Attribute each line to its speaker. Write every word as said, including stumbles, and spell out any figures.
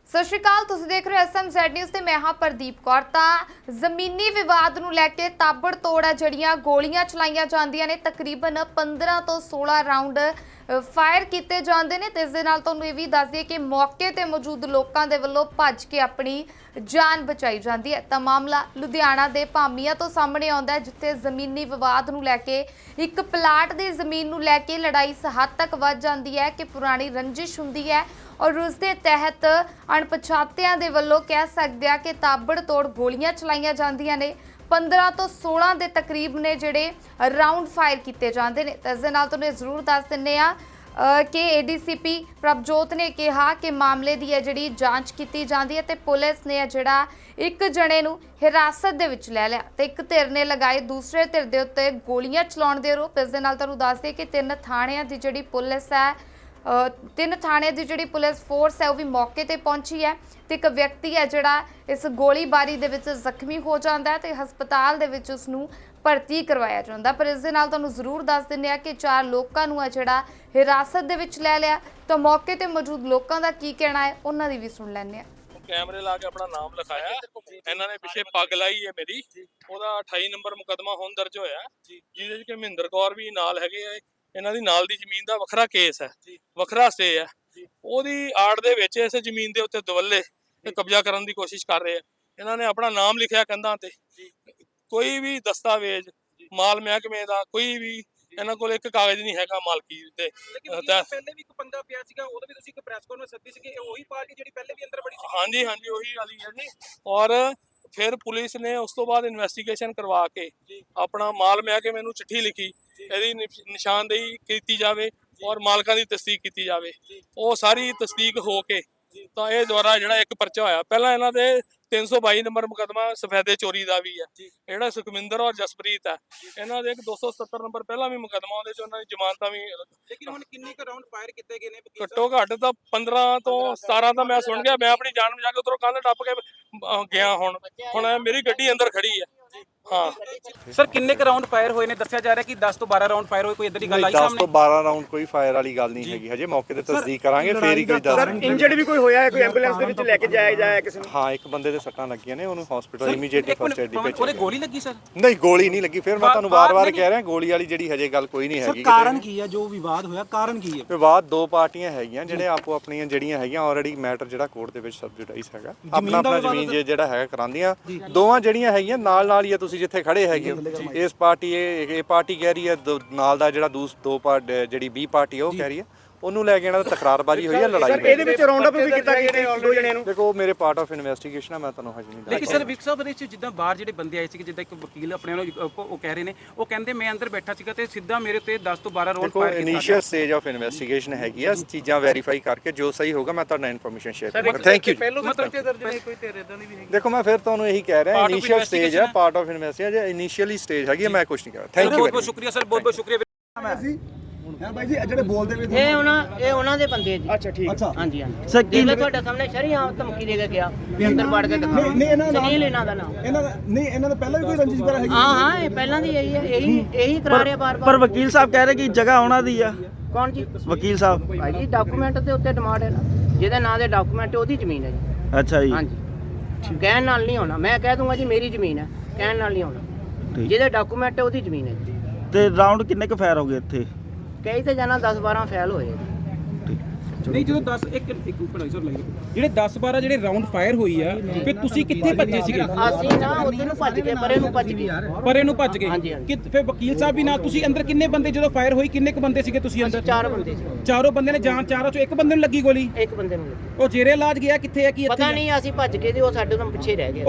Speaker 1: ਸਤਿ ਸ਼੍ਰੀ ਅਕਾਲ, ਤੁਸੀਂ ਦੇਖ ਰਹੇ ਹੋ ਐਸ ਐਮ ਜ਼ੈਡ ਨਿਊਜ਼ ਤੇ ਮੈਂ ਹਾਂ ਪ੍ਰਦੀਪ ਕੌਰ। ਤਾਂ ਜ਼ਮੀਨੀ ਵਿਵਾਦ ਨੂੰ ਲੈ ਕੇ ਤਾਬੜ ਤੋੜ ਹੈ ਜਿਹੜੀਆਂ ਗੋਲੀਆਂ ਚਲਾਈਆਂ ਜਾਂਦੀਆਂ ਨੇ। ਤਕਰੀਬਨ ਪੰਦਰਾਂ ਤੋਂ ਸੋਲਾਂ ਰਾਉਂਡ ਫਾਇਰ ਕੀਤੇ ਜਾਂਦੇ ਨੇ ਤੇ ਇਸ ਦੇ ਨਾਲ ਤੁਹਾਨੂੰ ਇਹ ਵੀ ਦੱਸ ਦਈਏ ਕਿ ਮੌਕੇ ਤੇ ਮੌਜੂਦ ਲੋਕਾਂ ਦੇ ਵੱਲੋਂ ਭੱਜ ਕੇ ਆਪਣੀ ਜਾਨ ਬਚਾਈ ਜਾਂਦੀ ਹੈ। ਤਾਂ ਮਾਮਲਾ ਲੁਧਿਆਣਾ ਦੇ ਭਾਮੀਆਂ ਤੋਂ ਸਾਹਮਣੇ ਆਉਂਦਾ ਹੈ, ਜਿੱਥੇ ਜ਼ਮੀਨੀ ਵਿਵਾਦ ਨੂੰ ਲੈ ਕੇ ਇੱਕ ਪਲਾਟ ਦੀ ਜ਼ਮੀਨ ਨੂੰ ਲੈ ਕੇ ਲੜਾਈ ਇਸ ਹੱਦ ਤੱਕ ਵੱਧ ਜਾਂਦੀ ਹੈ ਕਿ ਪੁਰਾਣੀ ਰੰਜਿਸ਼ ਹੁੰਦੀ ਹੈ और उस दे तहत अणपछातियां दे वल्लों कह सकते हैं कि ताबड़ तोड़ गोलियां चलाइयां जांदियां ने। पंद्रह तो सोलह के तकरीब ने जिहड़े राउंड फायर किए जाते हैं। तो इस दे नाल तुहानूं जरूर दस दिंदे आ कि A D C P Prabhjot ने कहा कि मामले की है जिहड़ी जांच की जाती है। तो पुलिस ने जिहड़ा एक जने नूं हिरासत दे विच लै लिया ते एक धिर ने लगाए दूसरे धिर दे उत्ते गोलियां चलाउण दे आरोप। इस दे नाल तुहानूं दस दईए कि तीन थाणियां दी जिहड़ी पुलिस है तीन थाने की जिहड़ी पुलिस फोर्स है वह भी मौके पर पहुंची है। तो एक व्यक्ति है जिहड़ा इस गोलीबारी दे विच जख्मी हो जाता है तो हस्पताल दे विच उसनूं भर्ती करवाया जाता। पर इस दे नाल तुहानूं जरूर दस दिंदे आ कि चार लोकां नूं है जिहड़ा हिरासत दे विच लै लिया। तो मौके ते मौजूद लोकां दा की कहना है उन्हां दी भी सुण लैंदे आ।
Speaker 2: कैमरे ला के अपना नाम लिखाया, इन्हां ने पिछे पग लाई है मेरी, ਉਹਦਾ अठाई नंबर मुकदमा हुण दर्ज होया ਜਿਹਦੇ ਵਿੱਚ ਕਿ ਮਹਿੰਦਰ ਕੌਰ ਵੀ ਨਾਲ ਹੈਗੇ ਆ। ਇਹਨਾਂ ਦੀ ਨਾਲ ਦੀ ਜ਼ਮੀਨ ਦਾ ਵੱਖਰਾ ਕੇਸ ਹੈ, ਵੱਖਰਾ ਸਟੇ ਹੈ। ਉਹਦੀ ਆੜ ਦੇ ਵਿੱਚ ਇਸ ਜ਼ਮੀਨ ਦੇ ਉੱਤੇ ਦਵੱਲੇ ਤੇ ਕਬਜ਼ਾ ਕਰਨ ਦੀ ਕੋਸ਼ਿਸ਼ ਕਰ ਰਹੇ ਆ। ਇਹਨਾਂ ਨੇ ਆਪਣਾ ਨਾਮ ਲਿਖਿਆ ਕੰਧਾਂ ਤੇ, ਕੋਈ ਵੀ ਦਸਤਾਵੇਜ਼ ਮਾਲ ਮਹਿਕਮੇ ਦਾ ਕੋਈ ਵੀ ਇਹਨਾਂ ਕੋਲ ਇੱਕ ਕਾਗਜ਼ ਨਹੀਂ ਹੈਗਾ ਮਾਲਕੀ ਤੇ।
Speaker 3: ਪਹਿਲੇ ਵੀ ਇੱਕ ਬੰਦਾ ਪਿਆ ਸੀਗਾ, ਉਹਦੇ ਵੀ ਤੁਸੀਂ ਇੱਕ ਪ੍ਰੈਸ ਕਾਨਫਰੰਸ ਸੱਦੀ ਸੀਗੀ, ਉਹੀ ਪਾਰਟੀ ਜਿਹੜੀ ਪਹਿਲੇ ਵੀ ਅੰਦਰ ਬੜੀ ਸੀ?
Speaker 2: ਹਾਂਜੀ ਹਾਂਜੀ ਉਹੀ ਵਾਲੀ ਹੈ ਜੀ। ਔਰ ਫਿਰ ਪੁਲਿਸ ਨੇ ਉਸ ਤੋਂ ਬਾਅਦ ਇਨਵੈਸਟੀਗੇਸ਼ਨ ਕਰਵਾ ਕੇ ਆਪਣਾ ਮਾਲ ਮਹਿਕਮੇ ਨੂੰ ਚਿੱਠੀ ਲਿਖੀ, ਇਹਦੀ ਨਿਸ਼ਾਨਦੇਹੀ ਕੀਤੀ ਜਾਵੇ ਔਰ ਮਾਲਕਾਂ ਦੀ ਤਸਦੀਕ ਕੀਤੀ ਜਾਵੇ। ਉਹ ਸਾਰੀ ਤਸਦੀਕ ਹੋ ਕੇ ਤਾਂ ਇਹ ਦੁਆਰਾ ਜਿਹੜਾ ਇੱਕ ਪਰਚਾ ਹੋਇਆ। ਪਹਿਲਾਂ ਇਹਨਾਂ ਦੇ तीन सौ बाई नंबर मुकदमा सफेदे चोरी का भी है, ਜਿਹੜਾ ਸੁਖਮਿੰਦਰ और जसप्रीत है ਇਹਨਾਂ ਦੇ ਇੱਕ दो सौ सत्तर नंबर ਪਹਿਲਾਂ ਵੀ ਮੁਕਦਮਾ ਉਹਦੇ ਚ ਉਹਨਾਂ ਦੀ ਜ਼ਮਾਨਤਾਂ ਵੀ।
Speaker 3: ਲੇਕਿਨ ਹੁਣ ਕਿੰਨੇ ਕੁ ਰਾਉਂਡ ਫਾਇਰ ਕੀਤੇ ਗਏ ਨੇ?
Speaker 2: ਘੱਟੋ ਘੱਟ ਤਾਂ पंद्रह ਤੋਂ सतारह ਤਾਂ ਮੈਂ ਸੁਣ ਗਿਆ। ਮੈਂ ਆਪਣੀ ਜਾਨ ਬਚਾ ਕੇ ਉਧਰੋਂ ਕੰਧ ਟੱਪ ਕੇ ਗਿਆ। ਹੁਣ ਹੁਣ ਮੇਰੀ ਗੱਡੀ ਅੰਦਰ ਖੜੀ ਹੈ। हाँ
Speaker 3: सर किन्ने क राउंड फायर होए ने? दस्सिया जा रहा है कि दस तो बारह राउंड फायर होए, कोई इधर की गल आई सामने?
Speaker 4: दस तो बारह राउंड कोई फायर वाली गल नहीं हैगी, हजे मौके ते तस्दीक करांगे फिर ही कोई दस।
Speaker 5: सर इंजर्ड भी कोई होया है? कोई एंबुलेंस दे विच लेके जाया जाया किसी ने?
Speaker 4: हाँ एक बंदे दे सट्टां लगियां ने, ਉਹਨੂੰ ਹਸਪੀਟਲ ਇਮੀਡੀਏਟਲੀ ਫਸਟ ਏਡ ਦੀ ਭੇਜਿਆ।
Speaker 3: ਉਹਦੇ ਗੋਲੀ ਲੱਗੀ ਸਰ?
Speaker 4: ਨਹੀਂ ਗੋਲੀ ਨਹੀਂ ਲੱਗੀ। ਫਿਰ ਮੈਂ ਤੁਹਾਨੂੰ ਵਾਰ-ਵਾਰ ਕਹਿ ਰਿਹਾ ਗੋਲੀ ਵਾਲੀ ਜਿਹੜੀ ਹਜੇ ਗੱਲ ਕੋਈ ਨਹੀਂ ਹੈਗੀ।
Speaker 5: ਕਾਰਨ ਕੀ ਹੈ ਜੋ ਵਿਵਾਦ ਹੋਇਆ? ਕਾਰਨ ਕੀ ਹੈ?
Speaker 4: ਵਿਵਾਦ ਦੋ ਪਾਰਟੀਆਂ ਹੈਗੀਆਂ ਜਿਹੜੇ ਆਪੋ ਆਪਣੀਆਂ ਜਿਹੜੀਆਂ ਹੈਗੀਆਂ ਆਲਰੇਡੀ ਮੈਟਰ ਜਿਹੜਾ ਕੋਰਟ ਦੇ ਵਿੱਚ ਸਬਜੂਡਾਈਜ਼ ਹੈਗਾ, ਆਪਣਾ ਆਪਣਾ ਜ਼ਮੀਨ ਜਿਹੜਾ ਹੈਗਾ ਕਰਾਂਦੀਆਂ। ਦੋਵਾਂ ਜਿਹੜੀਆਂ ਹੈਗੀਆਂ ਨਾਲ ਨਾਲ ਹੀ ਆ, ਤੁਸੀਂ ਜਿੱਥੇ ਖੜੇ ਹੈਗੇ ਇਸ ਪਾਰਟੀ ਇਹ ਇਹ ਪਾਰਟੀ ਕਹਿ ਰਹੀ ਹੈ, ਨਾਲ ਦਾ ਜਿਹੜਾ ਦੂਸ ਦੋ ਪਾਰਟ ਜਿਹੜੀ ਬੀ ਪਾਰਟੀ ਉਹ ਕਹਿ ਰਹੀ ਹੈ, ਉਹਨੂੰ ਲੈ ਕੇ ਇਹਨਾਂ ਦਾ ਤਕਰਾਰਬਾਜ਼ੀ ਹੋਈ ਹੈ, ਲੜਾਈ ਹੋਈ ਹੈ।
Speaker 5: ਇਹਦੇ ਵਿੱਚ ਰਾਉਂਡ ਅਪ ਵੀ ਕੀਤਾ ਗਿਆ ਨੇ ਦੋ ਜਣਿਆਂ ਨੂੰ?
Speaker 4: ਦੇਖੋ ਮੇਰੇ ਪਾਰਟ ਆਫ ਇਨਵੈਸਟੀਗੇਸ਼ਨ ਹੈ, ਮੈਂ ਤੁਹਾਨੂੰ ਹਜੇ ਨਹੀਂ ਦੱਸ।
Speaker 3: ਲੇਕਿਨ ਸਰ ਵਿਕ ਸਾਹਿਬ ਵਿੱਚ ਜਿੱਦਾਂ ਬਾਹਰ ਜਿਹੜੇ ਬੰਦੇ ਆਏ ਸੀ, ਜਿੱਦਾਂ ਇੱਕ ਵਕੀਲ ਆਪਣੇ ਨੂੰ ਉਹ ਕਹਿ ਰਹੇ ਨੇ, ਉਹ ਕਹਿੰਦੇ ਮੈਂ ਅੰਦਰ ਬੈਠਾ ਸੀਗਾ ਤੇ ਸਿੱਧਾ ਮੇਰੇ ਉੱਤੇ दस ਤੋਂ बारह ਰਾਉਂਡ ਫਾਇਰ ਕੀਤਾ।
Speaker 4: ਇਨੀਸ਼ੀਅਲ ਸਟੇਜ ਆਫ ਇਨਵੈਸਟੀਗੇਸ਼ਨ ਹੈਗੀ ਆ, ਚੀਜ਼ਾਂ ਵੈਰੀਫਾਈ ਕਰਕੇ ਜੋ ਸਹੀ ਹੋਗਾ ਮੈਂ ਤੁਹਾਨੂੰ ਇਨਫੋਰਮੇਸ਼ਨ ਸ਼ੇਅਰ ਕਰਾਂਗਾ। Thank you. ਦੇਖੋ ਮੈਂ ਫਿਰ ਤੁਹਾਨੂੰ ਇਹੀ ਕਹਿ ਰਿਹਾ, ਇਨੀਸ਼ੀਅਲ ਸਟੇਜ ਹੈ, part of investigation initially stage ਹੈਗੀ, ਮੈਂ ਕੁਝ ਨਹੀਂ ਕਰ ਰਿਹਾ। ਥੈਂਕ ਯੂ
Speaker 3: ਬਹੁਤ ਬਹੁਤ ਸ਼ੁਕਰੀਆ ਸਰ, ਬਹੁਤ ਬਹੁਤ ਸ਼ੁਕਰੀਆ।
Speaker 5: ਹਾਂ ਭਾਈ ਜੀ ਜਿਹੜੇ ਬੋਲਦੇ ਵੀ
Speaker 6: ਇਹ ਉਹਨਾਂ ਇਹ ਉਹਨਾਂ ਦੇ ਬੰਦੇ ਜੀ।
Speaker 5: ਅੱਛਾ ਠੀਕ ਹੈ।
Speaker 6: ਹਾਂਜੀ ਹਾਂਜੀ ਸਰ ਕੀ ਤੁਹਾਡੇ ਸਾਹਮਣੇ ਸ਼ਰੀਆਮ ਧਮਕੀ ਦੇ ਕੇ ਗਿਆ ਵੀ ਅੰਦਰ ਵੜ ਕੇ ਦਿਖਾ।
Speaker 5: ਨਹੀਂ ਇਹਨਾਂ ਦਾ
Speaker 6: ਸੁਨੀਲ ਇਹਨਾਂ ਦਾ ਨਾਮ।
Speaker 5: ਇਹਨਾਂ ਦਾ ਨਹੀਂ, ਇਹਨਾਂ ਦਾ ਪਹਿਲਾਂ ਵੀ ਕੋਈ ਰੰਜਿਸ਼ ਵਗੈਰਾ ਹੈਗੀ?
Speaker 6: ਹਾਂ ਹਾਂ ਇਹ ਪਹਿਲਾਂ ਦੀ ਇਹੀ ਹੈ, ਇਹੀ ਇਹੀ ਕਰਾ ਰਿਹਾ ਬਾਰ ਬਾਰ।
Speaker 7: ਪਰ ਵਕੀਲ ਸਾਹਿਬ ਕਹਿ ਰਹੇ ਕਿ ਜਗ੍ਹਾ ਉਹਨਾਂ ਦੀ ਆ।
Speaker 6: ਕੌਣ ਜੀ?
Speaker 7: ਵਕੀਲ ਸਾਹਿਬ
Speaker 6: ਭਾਈ ਜੀ ਡਾਕੂਮੈਂਟ ਦੇ ਉੱਤੇ ਡਿਮਾਂਡ ਹੈ ਨਾ, ਜਿਹਦੇ ਨਾਂ ਦੇ ਡਾਕੂਮੈਂਟ ਉਹਦੀ ਜ਼ਮੀਨ ਹੈ ਜੀ।
Speaker 7: ਅੱਛਾ ਜੀ।
Speaker 6: ਹਾਂਜੀ ਕਹਿਣ ਨਾਲ ਨਹੀਂ ਹੋਣਾ, ਮੈਂ ਕਹਿ ਦੂੰਗਾ ਜੀ ਮੇਰੀ ਜ਼ਮੀਨ ਹੈ, ਕਹਿਣ ਨਾਲ ਨਹੀਂ ਹੋਣਾ। ਜਿਹਦੇ ਡਾਕੂਮੈਂਟ ਹੈ ਉਹਦੀ ਜ਼ਮੀਨ ਹੈ ਜੀ।
Speaker 7: ਤੇ ਰਾਉਂਡ ਕਿੰਨੇ ਕੁ ਫਾਇਰ ਹੋ ਗਏ ਇੱਥੇ?
Speaker 6: ਕਈ ਤੇ ਜਾਣਾ दस बारह ਫੈਲ ਹੋਏ।
Speaker 3: ਨਹੀਂ ਜਦੋਂ ਦਸ ਇੱਕ ਇੱਕ ਉੱਪਰ ਸਰ ਲੱਗੇ ਜਿਹੜੇ दस बारह ਜਿਹੜੇ ਰਾਉਂਡ ਫਾਇਰ ਹੋਈ ਆ, ਫਿਰ ਤੁਸੀਂ ਕਿੱਥੇ ਭੱਜੇ ਸੀਗੇ?
Speaker 6: ਅਸੀਂ ਨਾ ਉੱਧਰ ਨੂੰ ਭੱਜ ਕੇ ਪਰੇ ਨੂੰ ਭੱਜ ਗਏ।
Speaker 3: ਪਰੇ ਨੂੰ ਭੱਜ
Speaker 6: ਹਾਂਜੀ,
Speaker 3: ਗਏ
Speaker 6: ਹਾਂਜੀ।
Speaker 3: ਕਿ ਫਿਰ ਵਕੀਲ ਸਾਹਿਬ ਵੀ ਨਾਲ ਤੁਸੀਂ ਅੰਦਰ ਕਿੰਨੇ ਬੰਦੇ ਜਦੋਂ ਫਾਇਰ ਹੋਈ ਕਿੰਨੇ ਕੁ ਬੰਦੇ ਸੀਗੇ ਤੁਸੀਂ ਅੰਦਰ?
Speaker 6: ਚਾਰ ਬੰਦੇ ਸੀ।
Speaker 3: ਚਾਰੋਂ ਬੰਦੇ ਨੇ ਜਾਨ, ਚਾਰੋਂ ਚੋਂ ਇੱਕ ਬੰਦੇ ਨੂੰ ਲੱਗੀ ਗੋਲੀ?
Speaker 6: ਇੱਕ ਬੰਦੇ ਨੂੰ ਲੱਗੀ।
Speaker 3: ਉਹ ਜੇਰੇ ਇਲਾਜ ਗਿਆ ਕਿੱਥੇ ਹੈ? ਕੀ ਇੱਥੇ
Speaker 6: ਪਤਾ ਨਹੀਂ, ਅਸੀਂ ਭੱਜ ਕੇ ਤੇ ਉਹ ਸਾਡੇ ਤੋਂ ਪਿੱਛੇ ਰਹਿ ਗਏ।